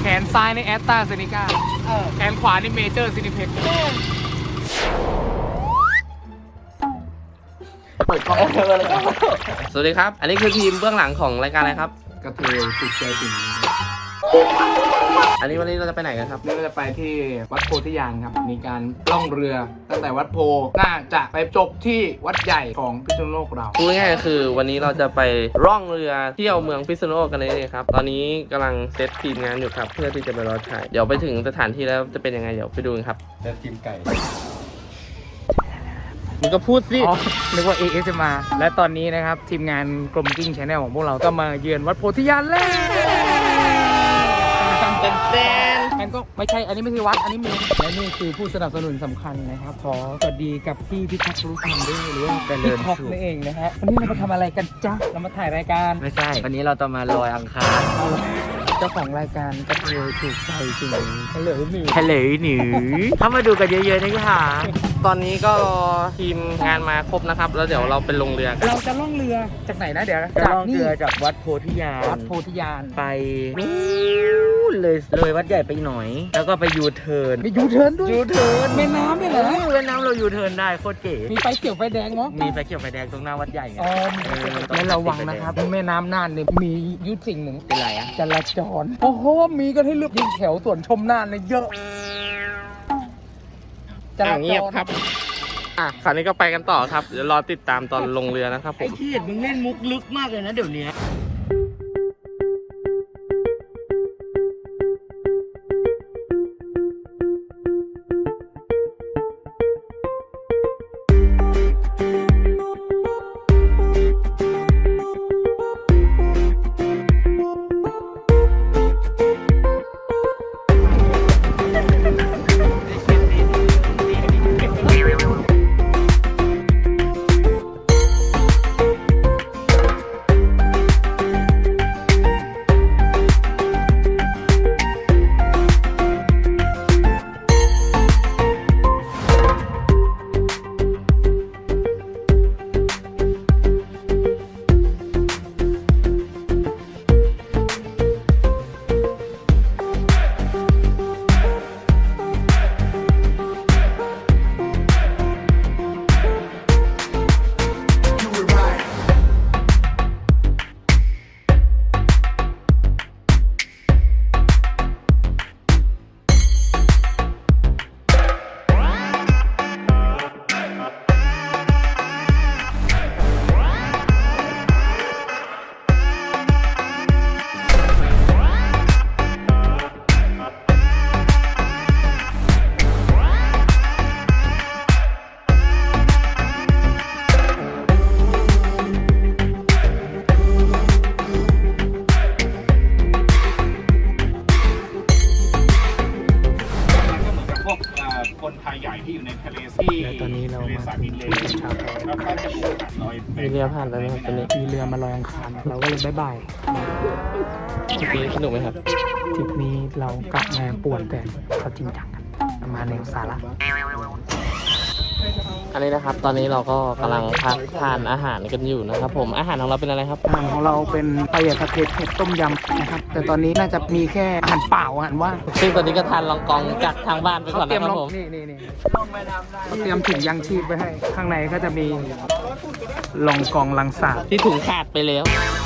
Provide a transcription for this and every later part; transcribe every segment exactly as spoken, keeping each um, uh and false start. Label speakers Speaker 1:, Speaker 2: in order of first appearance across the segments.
Speaker 1: แขนซ้ายในแอสตราเซเนกาแขนขวาในเมเจอร์ซินิเพ็ก
Speaker 2: สวัสดีครับอันนี้คือทีมเบื้องหลังของรายการอะไรครับ
Speaker 1: กระเทยติดใจสิ่งนี้
Speaker 2: อันนี้วันนี้เราจะไปไหนกันครับ
Speaker 1: นี่เราจะไปที่วัดโพธิญาณครับมีการล่องเรือตั้งแต่วัดโพน่าจะไปจบที่วัดใหญ่ของพิษณุโลกเรา
Speaker 2: พูดง่ายๆคือวันนี้เราจะไปร่องเรือเที่ยวเมืองพิษณุโลกกันเลยครับตอนนี้กำลังเซตทีมงานอยู่ครับเพื่อที่จะไปรอถ่ายเดี๋ยวไปถึงสถานที่แล้วจะเป็นยังไงเดี๋ยวไปดูกันครับ
Speaker 3: เซตทีมไก่
Speaker 2: มึงก็พูดสิ
Speaker 1: นึกว่า เอ เอส เอ็ม อาร์ และตอนนี้นะครับทีมงานกลมกิ้ง Channel ของพวกเราก็มาเยือนวัดโพธิญาณแล้ว
Speaker 2: เต้นเต้น
Speaker 1: มันก็ไม่ใช่อันนี้ไม่ใช่วัดอันนี้เมืองและนี่คือผู้สนับสนุนสำคัญนะครับขอสวัสดีกับพี่พิทักษ์รู้ธรรมด้วยหรือว่าพี่ท็อปนั่นเองนะฮะวันนี้เรามาทำอะไรกันจ๊ะเรามาถ่ายรายการ
Speaker 3: ไม่ใช่วันนี้เราจะมาลอยอังคาร
Speaker 1: เจ้าของรายการกระเทยถูกใจสิ่งนี้เฉลยหนึ่ง
Speaker 3: เฉลยหนึ่งเข้ามาดูกันเยอะๆนะคะ
Speaker 2: ตอนนี้ก็รอทีมงานมาครบนะครับแล้วเดี๋ยวเราไปลงเรือ
Speaker 1: เราจะล่องเรือจากไหนนะเดี๋ยว
Speaker 3: จะล่องเรือจากวัดโพธิญาณ
Speaker 1: วัดโพธิญาณ
Speaker 3: ไปเลยเลยวัดใหญ่ไปหน่อยแล้วก็ไปยูเทิร์น
Speaker 1: มียูเทิร์นด้วย
Speaker 3: ยูเทิร์น
Speaker 1: แม่น้ำเนี่ยเหรอ
Speaker 3: แม่น้ำเรายูเทิร์นได้โคตรเก๋
Speaker 1: มีไฟเขียวไฟแดงมั้ง
Speaker 3: มีไฟเขียวไฟแดงตรงหน้าวัดใหญ่ไง
Speaker 1: อ๋อไม่ระวังนะครับแม่น้ำน่านเนี่ยมียุทธสิ่งหนึ่ง
Speaker 3: เป็นไรอะ
Speaker 1: จราจรโอ้โหมีกันให้เลือกยิงแถวส่วนชมน่านเนี่ยเยอะ
Speaker 2: จราจรเงียบครับอ่ะคราวนี้ก็ไปกันต่อครับเดี๋ยวรอติดตามตอนลงเรือนะครับผม
Speaker 3: ไอ้ที่เห็นมึงเล่นมุกลึกมากเลยนะเดี๋ยวนี้
Speaker 4: คนไทยใหญ่ที่อยู่ในทะเลที่
Speaker 1: ตอนนี้เรามาถึงที่ชาวแพ
Speaker 4: แล้วก็จะมีลอย
Speaker 2: มีเรือผ่านไปไหมครับตอนนี้
Speaker 1: มีเรือมาลอยอังคารเราก็เลยบ๊ายบาย
Speaker 2: ทริปนี้สนุกไหมครับ
Speaker 1: ทริปนี้เรากลับมาป่วนแต่เขาจริงจังกันประมาณแนวสาระ
Speaker 2: อันนี้นะครับตอนนี้เราก็กำลังพักทานอาหารกันอยู่นะครับผมอาหารของเราเป็นอะไรครับ
Speaker 1: อาหารของเราเป็นปลาเผัดเผ็ดเผ็ดต้มยำนะครับแต่ตอนนี้น่าจะมีแค่อาหารเปล่าอาหารว่าง
Speaker 2: ซึ่งตอนนี้ก็ทานลองกองจากทางบ้านไปก่อนนะครับผม
Speaker 1: นี่นี่นี่เตรียมถุงยังชีพไว้ให้ข้างในก็จะมีลองกองลังสาบ
Speaker 2: ที่ถุงขาดไปแล้ว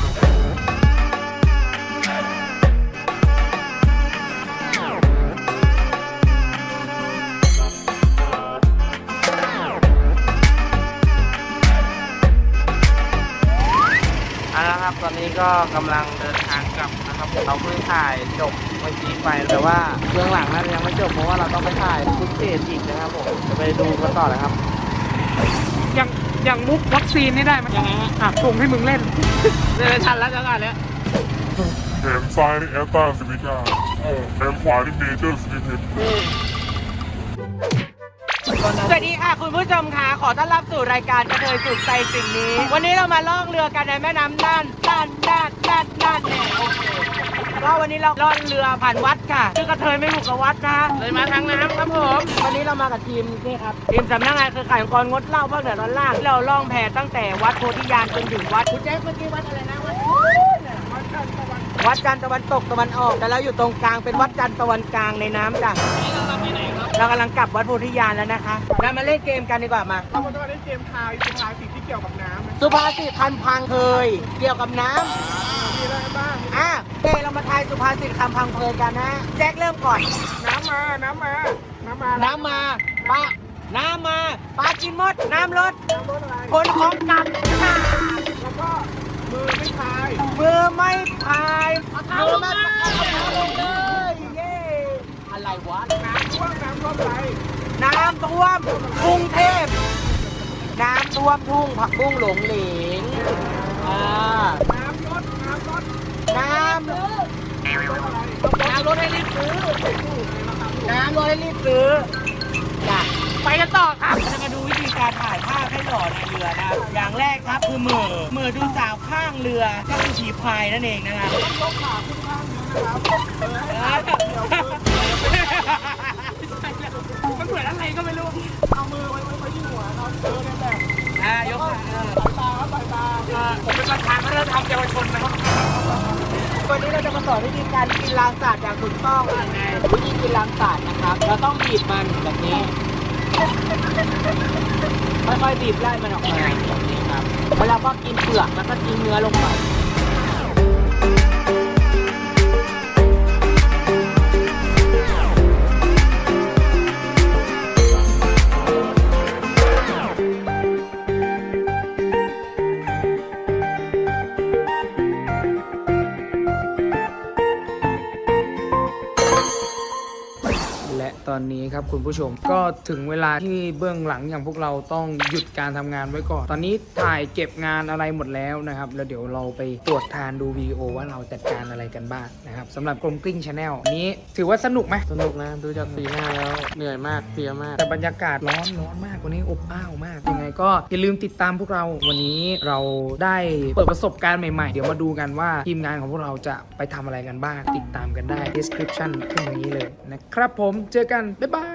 Speaker 2: ครับตอนนี้ก็กำลังเดินทางกลับนะครับเราเพิ่งถ่ายจบเมื่อกี้ไปแต่ว่าเบื้องหลังนั้นยังไม่จบเพราะว่าเราต้องไปถ่ายฟุตเทจอีกนะครับผมจะไปดูกันต่อเลยครับ
Speaker 1: ยังยังมุกวัคซีนนี่ได้ไหม
Speaker 2: ยังไงฮะ
Speaker 1: อ่ะส่งให้มึงเล่น
Speaker 2: เล่นทันแล้วจังหวะเนี้ย
Speaker 5: แขนซ้ายนี่แอสตราเซเนกาแขนขวานี่เมเจอร์ซินิเพ็ก
Speaker 6: สวัสดีค่ะคุณผู้ชมค่ะขอต้อนรับสู่รายการกระเทยสุขใจสิ่งนี้วันนี้เรามาล่องเรือกันในแม่น้ำน่านน่านน่านน่านน่านเนี่ยโอเคก็วันนี้เราล่องเรือผ่านวัดค่ะคือกระเทยไม่ถูกกับวัดนะ
Speaker 2: เลยมาทางน้ำครับผม
Speaker 6: วันนี้เรามากับทีมนี่ครับทีมสำนักงานเครือข่ายองค์กรงดเหล้าภาคเหนือตอนล่างเราล่องแพตั้งแต่วัดโพธิญาณจนถึงวัดคุณแจ๊คเมื่อกี้วัดอะไรนะวัดวัวัดจันทร์ตะวันตกตะวันออกแต่เราอยู่ตรงกลางเป็นวัดจันทร์ตะวันกลางในน้ำจ้ะเรากำลังกลับวัดโพธิญาณแล้วนะคะเรามาเล่นเกมกันดีกว่ามาเราจะมาเล่นเกมทายสุภาษิตที่เกี่ยวกับน้ำสุภาษิตคำพังเพยเกี่ยวกับน้ำมีอะไรบ้างอ่ะโอเคเรามาทายสุภาษิตคำพังเพยกันนะแจ็คเริ่มก่อนน้ำมาน้ำมาน้ำมาน้ำมาปลาน้ำมาปลากินมดน้ำลดน้ำลดอะไรคนของกันแล้วก็มือไม่พายมือไม่พายมือไม่พายเอาเท้าลงเลยเย้อะไรวะน้ำท่วมน้ำท่วมอะไรน้ำท่วมกรุงเทพน้ำท่วมทุ่งผักบุ้งหลงเหลงอ่าน้ำลดน้ำลดน้ำน้ำลดให้รีบซื้อน้ำลดให้รีบซื้อจ้ะไปกันต่อครับจะมาดูวิธีการถ่ายภาพให้หล่อในเรือนะครับอย่างแรกครับคือมือมือดูสาวข้างเรือก็คือผีพายนั่นเองนะครับต้องยกขาขึ้นข้างเรือนะครับมันเหมือนอะไรก็ไม่รู้เอามือไว้ไว้ที่หัวเราเออเนี่ยแบบอ่ายกขาสายตาครับสายตาผมเป็นประธานวัฒนธรรมเยาวชนนะครับวันนี้เราจะมาสอนวิธีการกินลางสาดอย่างถูกต้องไงวิธีกินลางสาดนะครับเราต้องบีบมันแบบนี้ค่อยๆบีบไล่มันออกมาแบบนี้ครับแล้วเราก็กินเปลือกแล้วก็ทิ้งเนื้อลงไป
Speaker 1: และตอนนี้ครับคุณผู้ชมก็ถึงเวลาที่เบื้องหลังอย่างพวกเราต้องหยุดการทำงานไว้ก่อนตอนนี้ถ่ายเก็บงานอะไรหมดแล้วนะครับแล้วเดี๋ยวเราไปตรวจทานดูวิดีโอว่าเราจัดการอะไรกันบ้างนะครับสำหรับกลมกลิ้งชาแนลนี้ถือว่าสนุกไหม
Speaker 2: สนุกนะดูจากสีหน้าแล้วเหนื่อยมากเพลียมาก
Speaker 1: แต่บรรยากาศร้อนร้อนมากวันนี้อบอ้าวมากยังไงก็อย่าลืมติดตามพวกเราวันนี้เราได้เปิดประสบการณ์ใหม่ๆเดี๋ยวมาดูกันว่าทีมงานของพวกเราจะไปทำอะไรกันบ้างติดตามกันได้ description ขึ้นอย่างนี้เลยนะครับผมเจอกันบ๊ายบาย